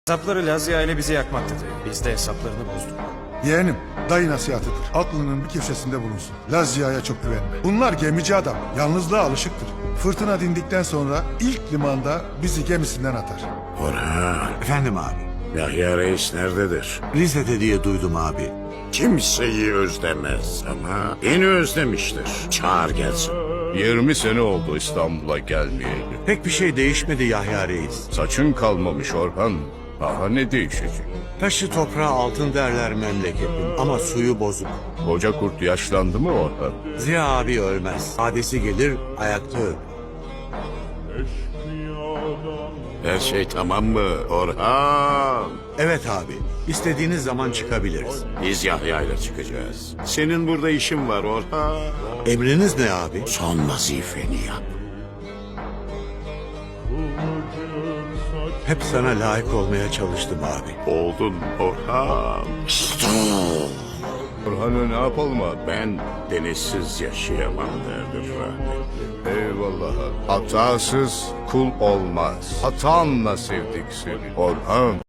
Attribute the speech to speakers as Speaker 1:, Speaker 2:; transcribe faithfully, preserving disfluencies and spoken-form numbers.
Speaker 1: Hesapları Lazia ile bizi yakmaktadır. Biz de hesaplarını bozduk.
Speaker 2: Yeğenim, dayı nasihatıdır. Aklının bir köşesinde bulunsun. Lazia'ya çok güvenme. Bunlar gemici adam. Yalnızlığa alışıktır. Fırtına dindikten sonra ilk limanda bizi gemisinden atar.
Speaker 3: Orhan,
Speaker 4: Efendim abi.
Speaker 3: Yahya Reis nerededir?
Speaker 4: Rize'de diye duydum abi.
Speaker 3: Kimseyi özlemez ama beni özlemiştir. Çağır gelsin.
Speaker 5: Yirmi sene oldu İstanbul'a gelmeyeli.
Speaker 4: Pek bir şey değişmedi Yahya Reis.
Speaker 5: Saçın kalmamış Orhan. Daha ne değişecek?
Speaker 4: Taşı toprağı altın derler memleketin ama suyu bozuk.
Speaker 5: Koca kurt yaşlandı mı Orhan?
Speaker 4: Ziya abi ölmez. Adesi gelir ayakta ölür.
Speaker 3: Her şey tamam mı Orhan?
Speaker 4: Evet abi. İstediğiniz zaman çıkabiliriz.
Speaker 3: Biz Yahya ile çıkacağız. Senin burada işin var Orhan.
Speaker 4: Emriniz ne abi?
Speaker 3: Son vazifeni yap.
Speaker 4: Hep sana layık olmaya çalıştım abi.
Speaker 3: Oldun Orhan.
Speaker 5: Orhan'ı ne yapalım abi?
Speaker 3: Ben denizsiz yaşayamam derdi rahmetli.
Speaker 5: Eyvallah. Hatasız kul olmaz. Hatanla sevdik seni Orhan.